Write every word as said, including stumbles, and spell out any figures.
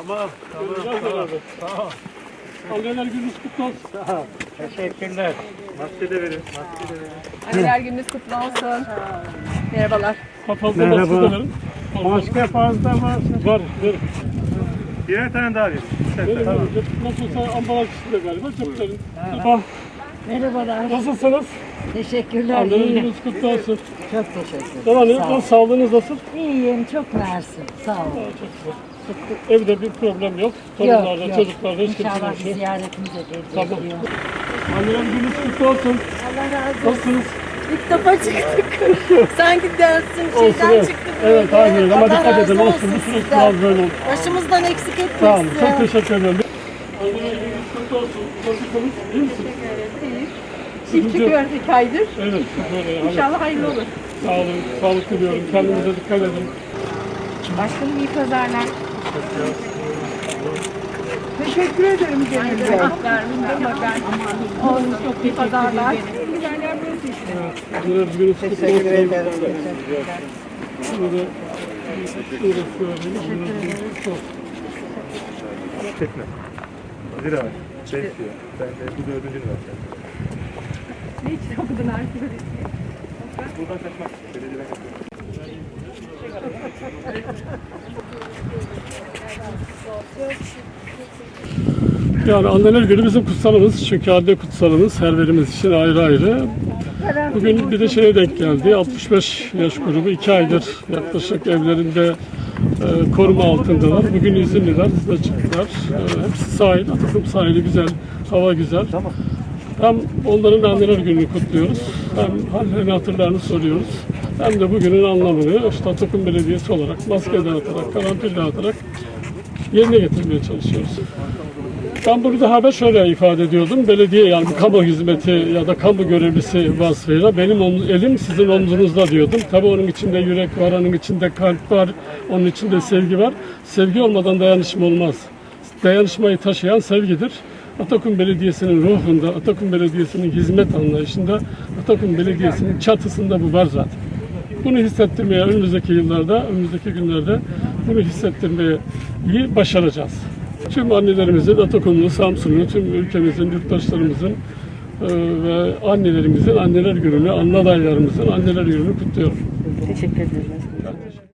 Tamam, tamam, tamam. Tamam. Anneler gününüz kutlu olsun. Sağ ol. Teşekkürler. Maske de verin. Maske de verin. Anneler gününüz kutlu olsun. Merhabalar. Fazla Merhaba. maske de verin. Maske fazla var. Var, verin. Birer tane daha verin. Verin, Tamam. verin. Nasılsa ambalaj içinde galiba. Çok verin. Efendim, Merhabalar. nasılsınız? Teşekkürler. Anneler İyiyim. gününüz kutlu olsun. Çok teşekkür Devam ederim. edin. Sağ ol. Nasıl, sağlığınız nasıl? İyiyim. Çok mersi. Sağ Aa, olun. çok güzel. Çok- Evde bir problem yok. Torunlarda, çocuklarda hiç kimse İnşallah yok. bir ziyaretimize de Tamam. bekliyor. Anneler gününüz kutlu olsun. Allah razı olsun. Nasılsınız? İlk defa çıktık. Sanki dersin Olsun, şeyden evet. çıktık. Evet, böyle. aynen. Ama Allah dikkat razı edin. Olsun. Bu süreç sizden. biraz böyle oldu. Başımızdan eksik Sağ olun. etmesin. Çok teşekkür ederim. Anneler gününüz kutlu olsun. Nasılsınız? İyi misiniz? Çift çıkıyoruz iki aydır. Evet. Böyle, yani. İnşallah hayırlı olur. Sağ olun. Sağlık diliyorum. Kendinize dikkat edin. Başkanım iyi pazarlar. Teşekkür ederim Cemil Bey. Olsun çok iyi pazarlar. Anneler gününüz kutlu olsun. Teşekkür ederim. Burada şurası gördüğünüz anneler gününüz kutlu olsun. Çekme. Zira var. Beş diyor. Ben de bu dördüncünü vereceğim. Ne için okudun artık? Buradan kaçmak. Belediyeden kaçmak. Yani anneler günü bizim kutsalımız. Çünkü anne kutsalımız her birimiz için ayrı ayrı. Bugün bir de şeye denk geldi. altmış beş yaş grubu iki aydır yaklaşık evlerinde e, koruma altındalar. Bugün izinliler, size çıktılar. E, hepsi sahil, Atakum sahili güzel, hava güzel. Hem onların anneler gününü kutluyoruz, hem hallerini hatırlarını soruyoruz. Hem de bugünün anlamını işte Atakum Belediyesi olarak maske dağıtarak, karanfil dağıtarak yerine getirmeye çalışıyoruz. Ben bunu daha evvel şöyle ifade ediyordum. Belediye yani bir kamu hizmeti ya da kamu görevlisi vasfıyla benim elim sizin omzunuzda diyordum. Tabii onun içinde yürek var, onun içinde kalp var, onun içinde sevgi var. Sevgi olmadan dayanışma olmaz. Dayanışmayı taşıyan sevgidir. Atakum Belediyesi'nin ruhunda, Atakum Belediyesi'nin hizmet anlayışında, Atakum Belediyesi'nin çatısında bu var zaten. Bunu hissettirmeye önümüzdeki yıllarda, önümüzdeki günlerde bunu hissettirmeyi iyi başaracağız. Tüm annelerimizin, Atakumlu, Samsunlu, tüm ülkemizin, yurttaşlarımızın e, ve annelerimizin anneler gününü, anne adaylarımızın anneler gününü kutluyorum. Teşekkür ederim.